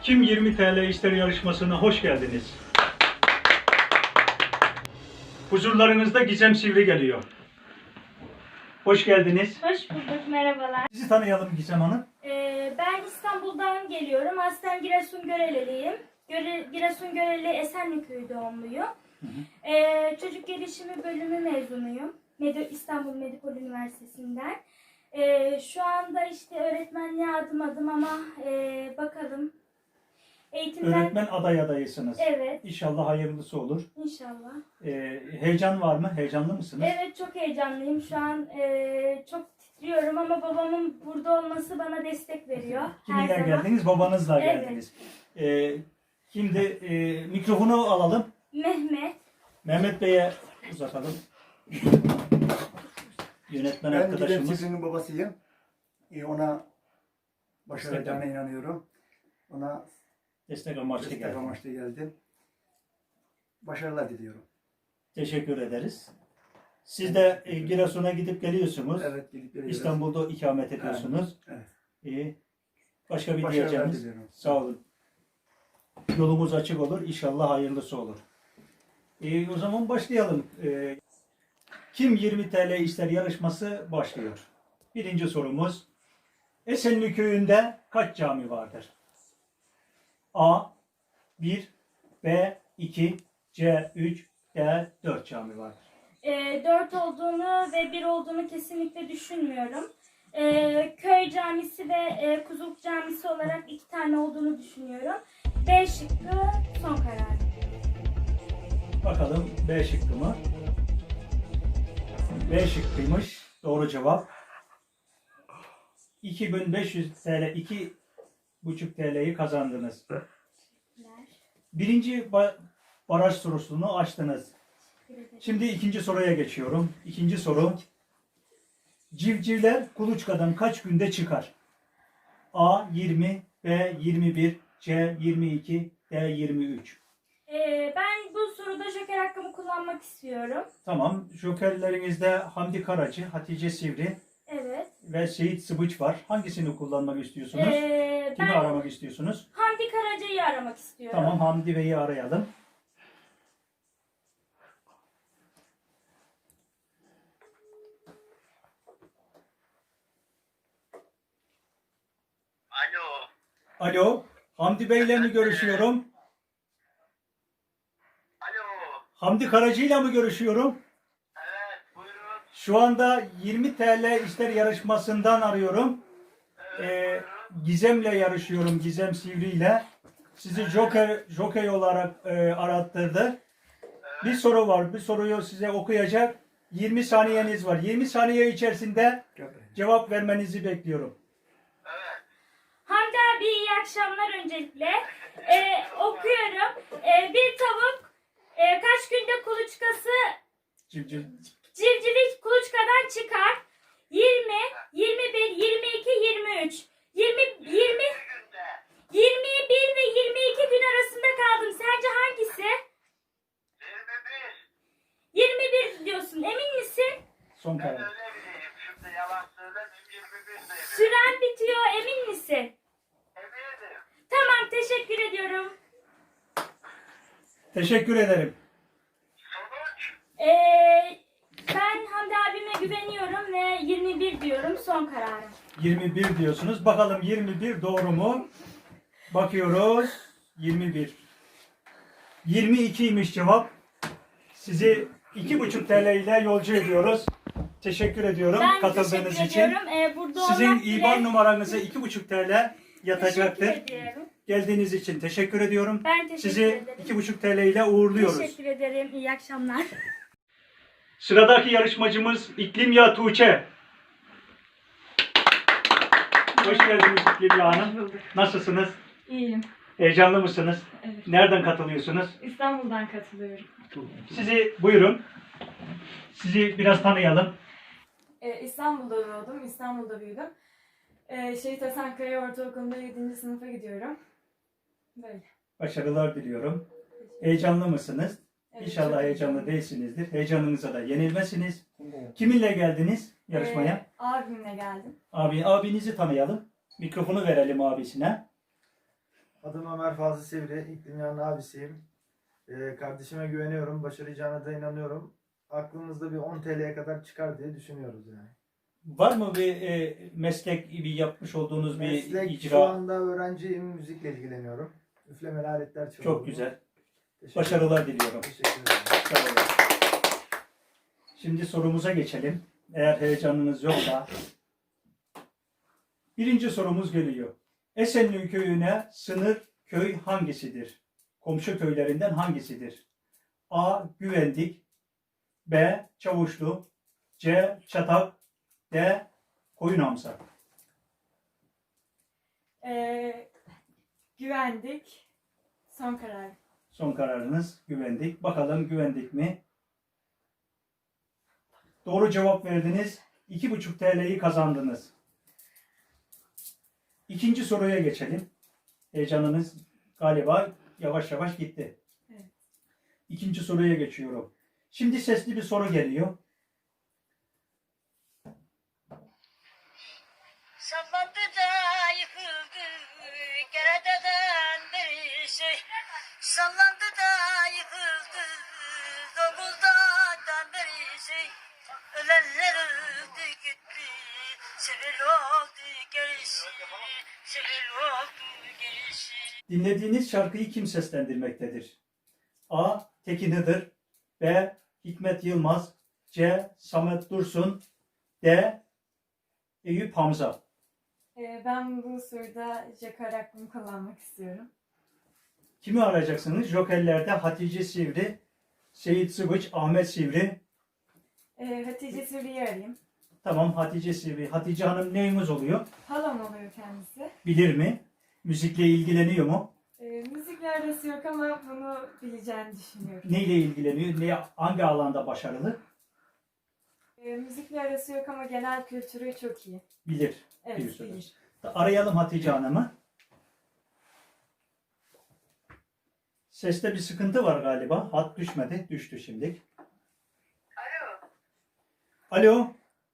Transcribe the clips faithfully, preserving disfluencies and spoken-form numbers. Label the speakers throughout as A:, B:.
A: Kim yirmi T L ister yarışmasına hoş geldiniz. Huzurlarınızda Gizem Sivri geliyor. Hoş geldiniz.
B: Hoş bulduk, merhabalar.
A: Sizi tanıyalım Gizem Hanım.
B: Ee, ben İstanbul'dan geliyorum. Aslen Giresun-Göreliliyim. Göre, Giresun-Göreli Esenlikköy doğumluyum.
A: Hı hı.
B: Ee, çocuk gelişimi bölümü mezunuyum. Medi İstanbul Medipol Üniversitesi'nden. Ee, şu anda işte öğretmenliğe adım adım ama e, bakalım. Eğitimden...
A: Öğretmen aday adayısınız.
B: Evet.
A: İnşallah hayırlısı olur.
B: İnşallah.
A: Ee, heyecan var mı? Heyecanlı mısınız?
B: Evet, çok heyecanlıyım. Şu an e, çok titriyorum ama babamın burada olması bana destek veriyor.
A: Kiminle
B: her zaman.
A: geldiniz? Babanızla
B: Evet.
A: geldiniz. Ee, şimdi e, mikrofonu alalım.
B: Mehmet.
A: Mehmet Bey'e uzatalım. Yönetmen
C: Ben Gizem
A: arkadaşımız.
C: Sivri'nin babasıyım. Ee, ona başaracağına inanıyorum. Ona
A: Destek amaçlı
C: destek
A: geldi.
C: amaçlı geldim. Başarılar diliyorum.
A: Teşekkür ederiz. Siz de e, Giresun'a gidip geliyorsunuz.
C: Evet, gidip geliyoruz.
A: İstanbul'da ikamet ediyorsunuz.
C: Evet.
A: İyi. Başka bir
C: Başarılar
A: diyeceğimiz.
C: diliyorum.
A: Sağ olun. Yolumuz açık olur. İnşallah hayırlısı olur. E, o zaman başlayalım. E, Kim yirmi T L ister yarışması başlıyor. Birinci sorumuz. Esenli köyünde kaç cami vardır? A bir, B iki, C üç, D dört cami vardır.
B: E, dört olduğunu ve bir olduğunu kesinlikle düşünmüyorum. E, köy camisi ve e, Kuzuluk camisi olarak iki tane olduğunu düşünüyorum. B şıkkı son karar.
A: Bakalım B şıkkı mı? B şıkkıymış. Doğru cevap. iki bin beş yüz T L, iki buçuk T L'yi kazandınız. Birinci ba- baraj sorusunu açtınız. Şimdi ikinci soruya geçiyorum. İkinci soru. Civcivler kuluçkadan kaç günde çıkar? A yirmi, B yirmi bir, C yirmi iki, D yirmi üç.
B: E, ben bu soruda joker hakkımı kullanmak istiyorum.
A: Tamam. Jokerlerinizde Hamdi Karacı, Hatice Sivri
B: Evet.
A: ve Seyit Sıbıç var. Hangisini kullanmak istiyorsunuz?
B: E,
A: Kimi
B: ben
A: aramak istiyorsunuz?
B: Hamdi Karaca'yı aramak istiyorum.
A: Tamam, Hamdi Bey'i arayalım.
D: Alo.
A: Alo, Hamdi Bey'le mi görüşüyorum?
D: Alo.
A: Hamdi Karacı ile mi görüşüyorum?
D: Evet, buyurun.
A: Şu anda yirmi T L ister yarışmasından arıyorum. Ee, Gizem'le yarışıyorum, Gizem Sivri ile. Sizi Joker, Joker olarak e, arattırdı. Bir soru var, bir soruyu size okuyacak. yirmi saniyeniz var. yirmi saniye içerisinde cevap vermenizi bekliyorum.
D: Evet.
B: Hamdi abi iyi akşamlar öncelikle. Ee, okuyorum. Ee, bir tavuk e, kaç günde kuluçkası
A: Civciv.
B: civcivi kuluçkadan çıkar? yirmi, yirmi bir, yirmi iki, yirmi üç. yirmi, yirmi,
D: Günde.
B: yirmi bir ve yirmi iki gün arasında kaldım. Sence hangisi?
D: yirmi bir.
B: yirmi bir diyorsun. Emin misin?
A: Son
D: Ben
A: karar.
D: öyle bileyim. Şimdi yalan söylemeyeyim. yirmi bir sayayım.
B: Süren bitiyor. Emin misin?
D: Eminim.
B: Tamam, teşekkür ediyorum.
A: Teşekkür ederim.
D: Sonuç.
B: Ee, ben Hamdi abime güveniyorum ve yirmi bir diyorum. Son kararım.
A: yirmi bir diyorsunuz. Bakalım yirmi bir doğru mu? Bakıyoruz. yirmi bir. yirmi ikiymiş cevap. Sizi iki buçuk T L ile yolcu ediyoruz. Teşekkür ediyorum
B: Ben
A: katıldığınız
B: teşekkür
A: için.
B: ediyorum. Ee, burada
A: Sizin
B: olmak bile
A: İBAN numaranıza iki buçuk T L yatacaktır.
B: teşekkür ediyorum.
A: Geldiğiniz için teşekkür ediyorum.
B: Ben teşekkür
A: Sizi
B: ederim.
A: iki buçuk T L ile uğurluyoruz.
B: Teşekkür ederim. İyi akşamlar.
A: Sıradaki yarışmacımız İklimya Tuğçe. Hoş geldiniz İklimya Hanım. Nasılsınız?
E: İyiyim.
A: Heyecanlı mısınız?
E: Evet.
A: Nereden katılıyorsunuz?
E: İstanbul'dan katılıyorum.
A: Sizi buyurun. Sizi biraz tanıyalım.
E: Ee, İstanbul'da doğdum, İstanbul'da büyüdüm. Ee, Şehit Hasankaya Ortaokulu'nda yedinci sınıfa gidiyorum. Böyle.
A: Başarılar diliyorum. Heyecanlı mısınız?
E: Evet,
A: İnşallah
E: çok
A: heyecanlı
E: heyecanlıyım.
A: değilsinizdir. Heyecanınıza da yenilmezsiniz. Kiminle geldiniz yarışmaya?
E: Ee, abimle geldim.
A: Abi, abinizi tanıyalım. Mikrofonu verelim abisine.
F: Adım Ömer Fazıl Sivri, İklim Yanlı abisiyim. Ee, kardeşime güveniyorum, başaracağına da inanıyorum. Aklımızda bir on T L'ye kadar çıkar diye düşünüyoruz yani.
A: Var mı bir e, meslek gibi yapmış olduğunuz bir
F: Meslek
A: icra?
F: şu anda öğrenciyim, müzikle ilgileniyorum. Üflemeli aletler çalıyorum.
A: Çok güzel.
F: Teşekkür
A: Başarılar diliyorum.
F: Teşekkür ederim.
A: Sağ olun. Şimdi sorumuza geçelim. Eğer heyecanınız yoksa. Birinci sorumuz geliyor. Esenli köyüne sınır köy hangisidir? Komşu köylerinden hangisidir? A. Güvendik, B. Çavuşlu, C. Çatak, D. Koyunamsa.
E: Ee, güvendik. Son karar.
A: Son kararınız güvendik. Bakalım güvendik mi? Doğru cevap verdiniz. iki buçuk T L'yi kazandınız. İkinci soruya geçelim. Heyecanınız galiba yavaş yavaş gitti.
E: Evet.
A: İkinci soruya geçiyorum. Şimdi sesli bir soru geliyor.
G: Sallandı da yıkıldı Kerete'den bir şey. Sallandı da yıkıldı Zonguldak'tan bir şey. Ölenler öldü gitti, sivil oldu gerisi, sivil oldu gerisi.
A: Dinlediğiniz şarkıyı kim seslendirmektedir? A. Tekin Hıdır, B. Hikmet Yılmaz, C. Samet Dursun, D. Eyüp Hamza.
E: Ee, ben bu soruda joker hakkımı kullanmak istiyorum.
A: Kimi arayacaksınız? Jokerlerde Hatice Sivri, Seyit Sıvıç, Ahmet Sivri.
E: Ee, Hatice Sivri'yi arayayım.
A: Tamam, Hatice Sivri. Hatice Hanım neyimiz oluyor?
E: Halam oluyor kendisi.
A: Bilir mi? Müzikle ilgileniyor mu?
E: Ee, müzikle arası yok ama bunu bileceğini düşünüyorum.
A: Neyle ilgileniyor? Ne, hangi alanda başarılı?
E: Ee, müzikle arası yok ama genel kültürü çok iyi.
A: Bilir.
E: Evet,
A: diyorsunuz.
E: bilir.
A: Arayalım Hatice Hanım'ı. Seste bir sıkıntı var galiba. Hat düşmedi. Düştü şimdi.
D: Alo.
A: Alo.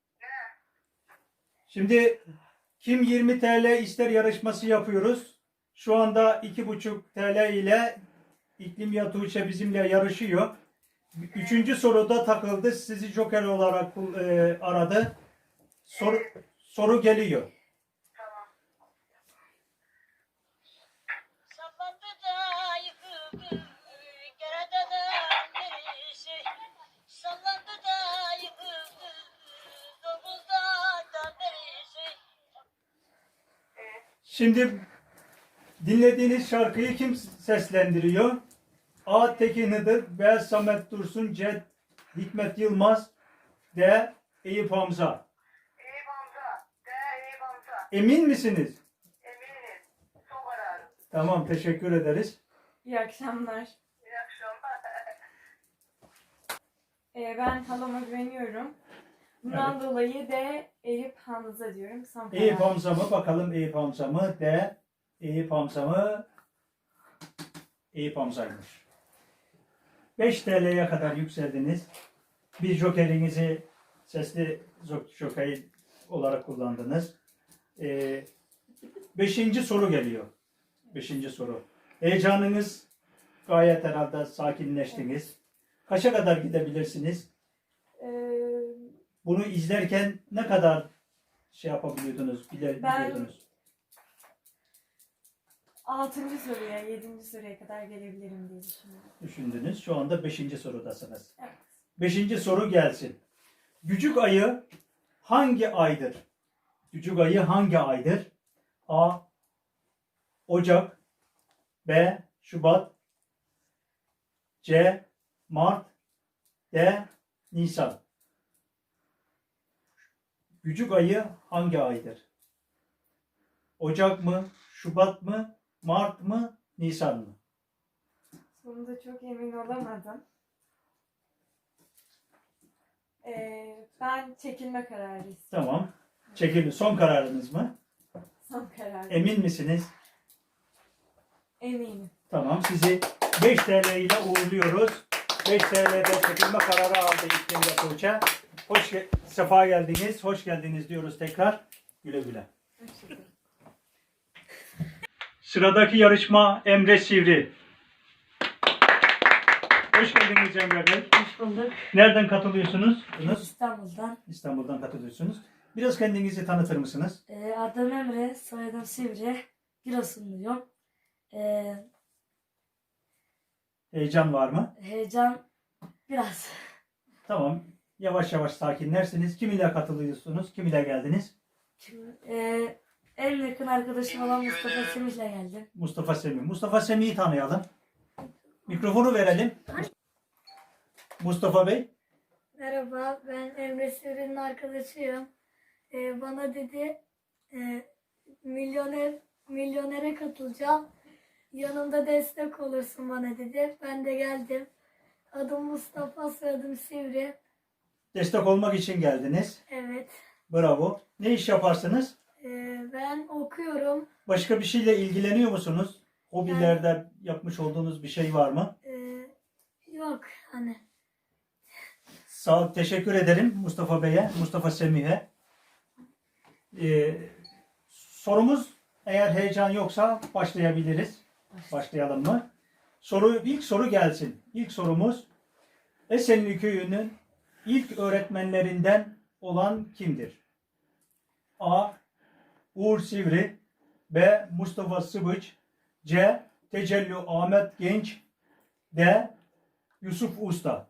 A: Şimdi kim yirmi T L ister yarışması yapıyoruz. Şu anda iki buçuk T L ile İklim Ya Tuğçe bizimle yarışıyor. Üçüncü soruda takıldı. Sizi joker olarak e, aradı. Soru, soru geliyor.
G: Sallandı da yıkıldı Kerete'den bir şey. Sallandı da yıkıldı Zonguldak'tan bir şey.
A: Şimdi dinlediğiniz şarkıyı kim seslendiriyor? A. Tekin Hıdır, B. Samet Dursun, C. Hikmet Yılmaz, D. Eyüp Hamza.
D: İyi Hamza. De iyi Hamza.
A: Emin misiniz?
D: Eminim. Son kararım.
A: Tamam, teşekkür ederiz.
E: İyi akşamlar.
D: İyi akşamlar.
E: Ee, ben halama güveniyorum. Bundan dolayı de Eyüp Hamza diyorum. Son karar.
A: Eyüp Hamza mı? Bakalım Eyüp Hamza mı? D. Eyüp Hamza mı? Eyüp Hamza'ymış. beş T L'ye kadar yükseldiniz. Bir jokerinizi sesli joker olarak kullandınız. Ee, beşinci soru geliyor. Beşinci soru. Heyecanınız gayet herhalde sakinleştiniz. Kaça kadar gidebilirsiniz?
E: Ee,
A: Bunu izlerken ne kadar şey yapabiliyordunuz, bile,
E: Ben-
A: biliyordunuz?
E: altıncı soruya, yedinci soruya kadar gelebilirim diye düşünüyorum.
A: Düşündünüz. Şu anda beşinci sorudasınız.
E: Evet.
A: Beşinci soru gelsin. Gücük ayı hangi aydır? Gücük ayı hangi aydır? A. Ocak, B. Şubat, C. Mart, D. Nisan. Gücük ayı hangi aydır? Ocak mı, Şubat mı, Mart mı, Nisan mı?
E: Sonunda çok emin olamadım. Ee, ben çekilme kararı istiyorum.
A: Tamam. Çekildi. Son kararınız mı?
E: Son karar.
A: Emin misiniz?
E: Eminim.
A: Tamam. Sizi beş T L ile uğurluyoruz. beş T L'de çekilme kararı aldı İklim Ya Tuğçe. Hoş ge- sefa geldiniz. Hoş geldiniz diyoruz tekrar. Güle güle.
E: Hoşçakalın.
A: Sıradaki yarışma Emre Sivri. Hoş geldiniz Emre Bey.
H: Hoş bulduk.
A: Nereden katılıyorsunuz?
H: İstanbul'dan.
A: İstanbul'dan katılıyorsunuz. Biraz kendinizi tanıtır mısınız?
H: Ee, adım Emre, soyadım Sivri. Giresunluyum. Ee,
A: Heyecan var mı?
H: heyecan biraz.
A: Tamam. Yavaş yavaş sakinlersiniz. Kim ile katılıyorsunuz? Kim ile geldiniz?
H: Şimdi, ee, en yakın arkadaşım olan Mustafa Semih'le geldim.
A: Mustafa Semih. Mustafa Semih'i tanıyalım. Mikrofonu verelim. Mustafa Bey.
I: Merhaba, ben Emre Sivri'nin arkadaşıyım. Ee, bana dedi, e, milyoner milyonere katılacağım. Yanımda destek olursun bana dedi. Ben de geldim. Adım Mustafa, soyadım Sivri.
A: Destek olmak için geldiniz.
I: Evet.
A: Bravo. Ne iş yaparsınız?
I: Ee, ben okuyorum.
A: Başka bir şeyle ilgileniyor musunuz? Hobilerde yapmış olduğunuz bir şey var mı?
I: Ee, yok hani.
A: Sağ ol, teşekkür ederim Mustafa Bey'e, Mustafa Semih'e. Ee, sorumuz, eğer heyecan yoksa başlayabiliriz. Başlayalım mı? Soru, ilk soru gelsin. İlk sorumuz, Esenli Köyü'nün ilk öğretmenlerinden olan kimdir? A. Uğur Sivri, B. Mustafa Sıbıç, C. Tecelli Ahmet Genç, D. Yusuf Usta.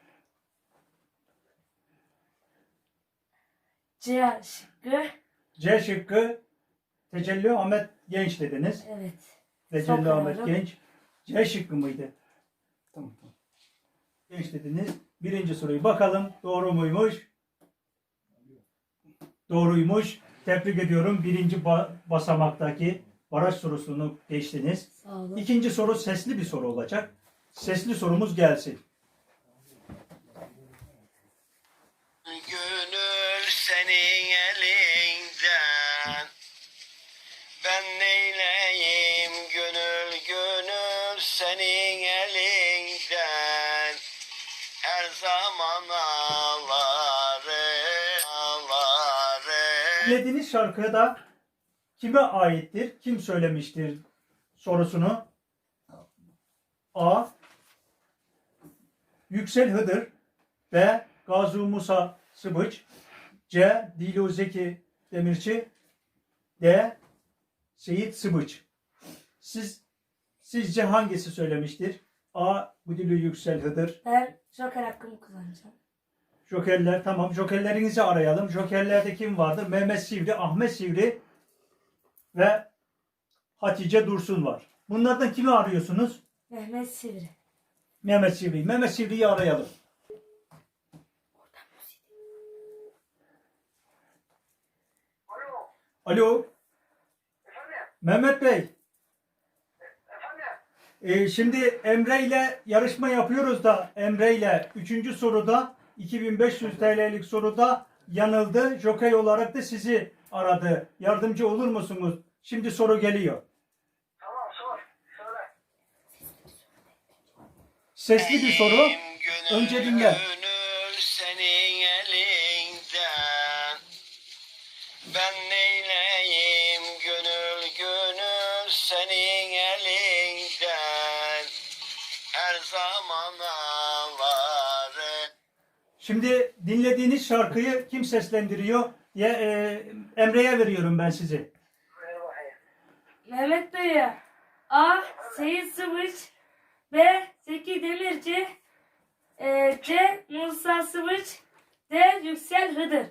H: C şıkkı.
A: C şıkkı Tecelli Ahmet Genç dediniz.
H: Evet.
A: Tecelli
H: Son
A: Ahmet
H: kararım.
A: Genç. C şıkkı mıydı?
C: Tamam, tamam.
A: Genç dediniz. Birinci soruyu bakalım. Doğru muymuş? Doğruymuş. Tebrik ediyorum. Birinci ba- basamaktaki baraj sorusunu geçtiniz.
H: Sağ olun.
A: İkinci soru sesli bir soru olacak. Sesli sorumuz gelsin.
J: Gönül senin elinden, ben neyleyim gönül gönül senin elinden, her zaman ağlarım ağlarım.
A: Dinlediğiniz şarkı da kime aittir? Kim söylemiştir sorusunu? A. Yüksel Hıdır, B. Gazi Musa Sıbıç, C. Dilo Zeki Demirci, D. Seyit Sıbıç. Siz sizce hangisi söylemiştir? A. Budilo Yüksel Hıdır.
H: Ben joker hakkımı kullanacağım.
A: Jokerler, tamam. Jokerlerinizi arayalım. Jokerlerde kim vardır? Mehmet Sivri, Ahmet Sivri ve Hatice Dursun var. Bunlardan kimi arıyorsunuz?
H: Mehmet Sivri.
A: Mehmet Sivri. Mehmet Sivri'yi arayalım.
D: Alo.
A: Alo,
D: Efendim?
A: Mehmet Bey.
D: Efendim?
A: Ee, şimdi Emre ile yarışma yapıyoruz da Emre ile üçüncü soruda iki bin beş yüz T L'lik soruda yanıldı. Joker olarak da sizi aradı. Yardımcı olur musunuz? Şimdi soru geliyor.
D: Tamam, sor. Söyle.
A: Sesli bir soru.
J: Gönül,
A: Önce dinle.
J: Gönül senin elinden, ben neyleyim gönül gönül senin elinden, her zaman ağlarım.
A: Şimdi dinlediğiniz şarkıyı kim seslendiriyor? Ya, e, Emre'ye veriyorum ben sizi.
D: Ver bakayım.
H: Mehmet Bey'e A. Seyit Sıvıç, B. Zeki Demirci, e, C. Musa Sıvıç, D. Yüksel Hıdır.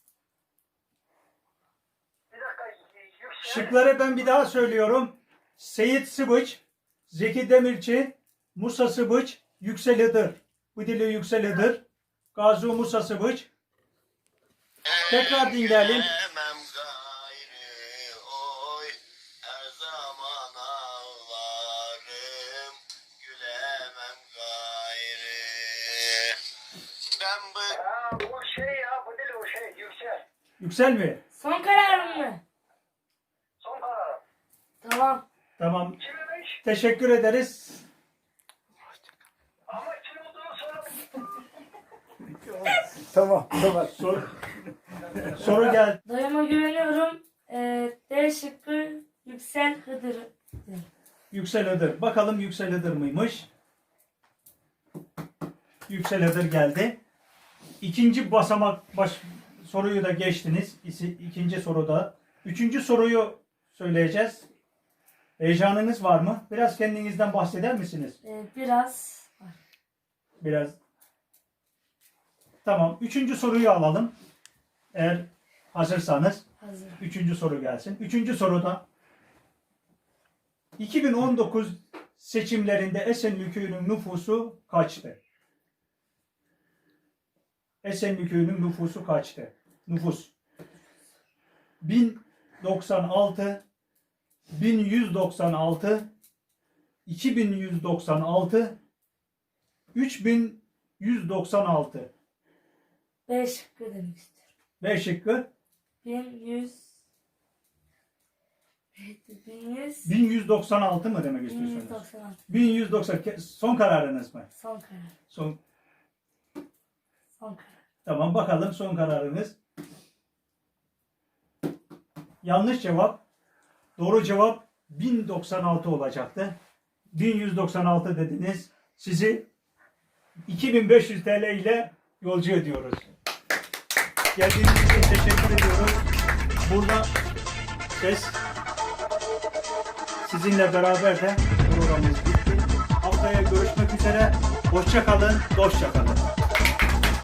D: Bir dakika. Yüksel.
A: Şıkları ben bir daha söylüyorum. Seyit Sıbıç, Zeki Demirci, Musa Sıbıç, Yüksel Hıdır. Bu dili Yüksel Hıdır. Gazi Musa Sıbıç. Tekrar dinleyelim.
J: Gülemem gayrı oy, her zaman ağlarım, gülemem gayrı. Ben bu
D: Ha, bu şey ya, bu değil o şey. Yüksel.
A: Yüksel mi?
H: Son kararım mı?
D: Son kararım.
H: Tamam.
A: Tamam.
D: Kimmiş?
A: Teşekkür ederiz.
D: Ama kim olduğunu söyle.
C: Tamam, tamam.
A: Soru, soru geldi.
H: Dayıma güveniyorum. E, D şıkkı Yüksel Hıdır Iğdır.
A: Yüksel Iğdır. Bakalım Yüksel Iğdır mıymış? Yüksel Iğdır geldi. İkinci basamak baş, soruyu da geçtiniz. İsi- İkinci soruda. Üçüncü soruyu söyleyeceğiz. Heyecanınız var mı? Biraz kendinizden bahseder misiniz?
H: Ee, biraz var.
A: Biraz. Tamam. Üçüncü soruyu alalım. Eğer hazırsanız.
H: Hazır.
A: Üçüncü soru gelsin. Üçüncü soruda iki bin on dokuz seçimlerinde Esenli Köyü'nün nüfusu kaçtı? Esenli Köyü'nün nüfusu kaçtı? Nüfus. bin doksan altı, bin yüz doksan altı, iki bin yüz doksan altı, üç bin yüz doksan altı.
H: B şıkkı demek istiyorum.
A: B şıkkı.
H: bin yüz bin yüz
A: bin yüz doksan altı mı demek
H: bin
A: istiyorsunuz?
H: yüz doksan altı.
A: bin yüz doksan. Son kararınız mı?
H: Son karar.
A: Son.
H: Son karar.
A: Tamam, bakalım son kararınız. Yanlış cevap. Doğru cevap bin doksan altı olacaktı. bin yüz doksan altı dediniz. Sizi iki bin beş yüz T L ile yolcu ediyoruz. Geldiğiniz için teşekkür ediyoruz. Burada ses sizinle beraber de programımız bitti. Haftaya görüşmek üzere. Hoşça kalın, dostça kalın.